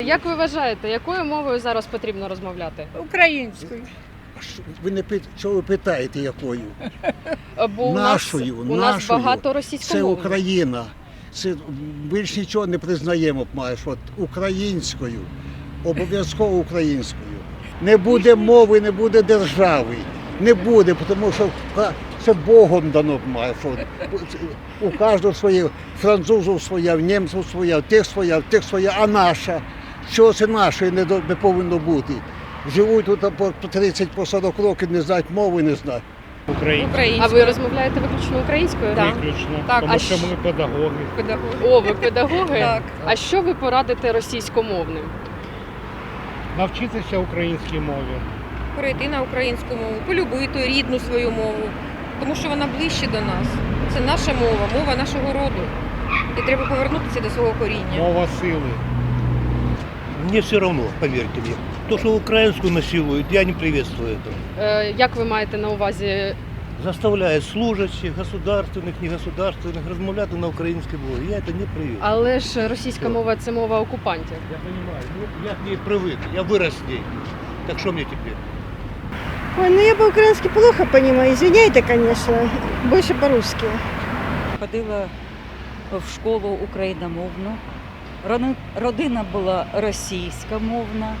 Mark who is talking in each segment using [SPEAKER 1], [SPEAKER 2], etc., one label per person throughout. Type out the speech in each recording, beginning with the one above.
[SPEAKER 1] Як ви вважаєте, якою мовою зараз потрібно розмовляти?
[SPEAKER 2] Українською.
[SPEAKER 3] Ви не чого ви питаєте, якою?
[SPEAKER 1] Бо у
[SPEAKER 3] Нашою,
[SPEAKER 1] нас
[SPEAKER 3] нашою.
[SPEAKER 1] багато
[SPEAKER 3] Це
[SPEAKER 1] російськомовних.
[SPEAKER 3] Україна. Це більш нічого не признаємо, маєш. От українською, обов'язково українською. Не буде мови, не буде держави. Не буде, тому що це Богом дано, маєш. У кожного своє, французу своя, в німців своя, в тих своя, а наша. Що це нашої не повинно бути? Живуть тут по 30, по 40 років, не знають мови, не знають.
[SPEAKER 1] А ви розмовляєте виключно українською?
[SPEAKER 2] Так.
[SPEAKER 4] Виключно,
[SPEAKER 2] Так,
[SPEAKER 4] тому
[SPEAKER 1] а
[SPEAKER 4] що ми педагоги.
[SPEAKER 1] О, ви педагоги?
[SPEAKER 2] Так.
[SPEAKER 1] А що ви порадите російськомовним?
[SPEAKER 4] Навчитися українській мові.
[SPEAKER 2] Перейти на українську мову, полюбити рідну свою мову, тому що вона ближче до нас. Це наша мова, мова нашого роду. І треба повернутися до свого коріння.
[SPEAKER 4] Мова сили.
[SPEAKER 5] Мне все равно, поверьте мне. То, что украинскую насилуют, я не приветствую этого.
[SPEAKER 1] Як ви маєте на увазі?
[SPEAKER 5] Заставляют служащих, государственных, негосударственных, размовляти на українській мові. Я это не приветствую.
[SPEAKER 1] Але ж російська мова – це мова окупантів.
[SPEAKER 5] Я понимаю, я к ней привык, я вырос с ней. Так что мне теперь?
[SPEAKER 6] Ой, ну я по-украински плохо понимаю, извиняйте, конечно, больше по-русски.
[SPEAKER 7] Ходила в школу україномовну. Родина була російськомовна.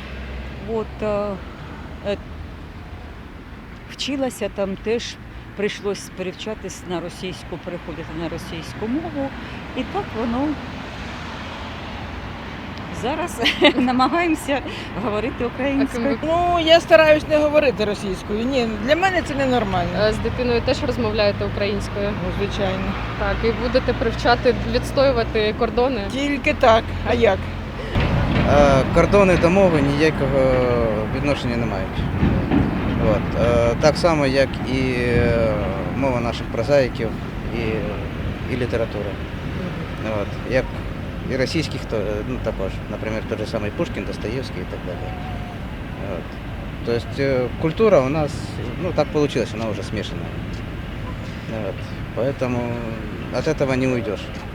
[SPEAKER 7] Вчилася там теж, прийшлось перевчатись на російську, переходити на російську мову. І так воно зараз намагаємося говорити українською.
[SPEAKER 2] Ну, я стараюсь не говорити російською. Ні, для мене це ненормально.
[SPEAKER 1] З дитиною теж розмовляєте українською?
[SPEAKER 2] Ну, звичайно.
[SPEAKER 1] Так, і будете привчати відстоювати кордони?
[SPEAKER 2] Тільки так. А як?
[SPEAKER 8] Кордони до мови ніякого відношення не мають. От. Так само, як і мова наших прозаїків і література. От. Як і російських також, наприклад, той же самий Пушкін, Достоєвський і так далі. От. Тобто культура у нас, так вийшло, вона вже смешанная. Вот. Поэтому от этого не уйдешь.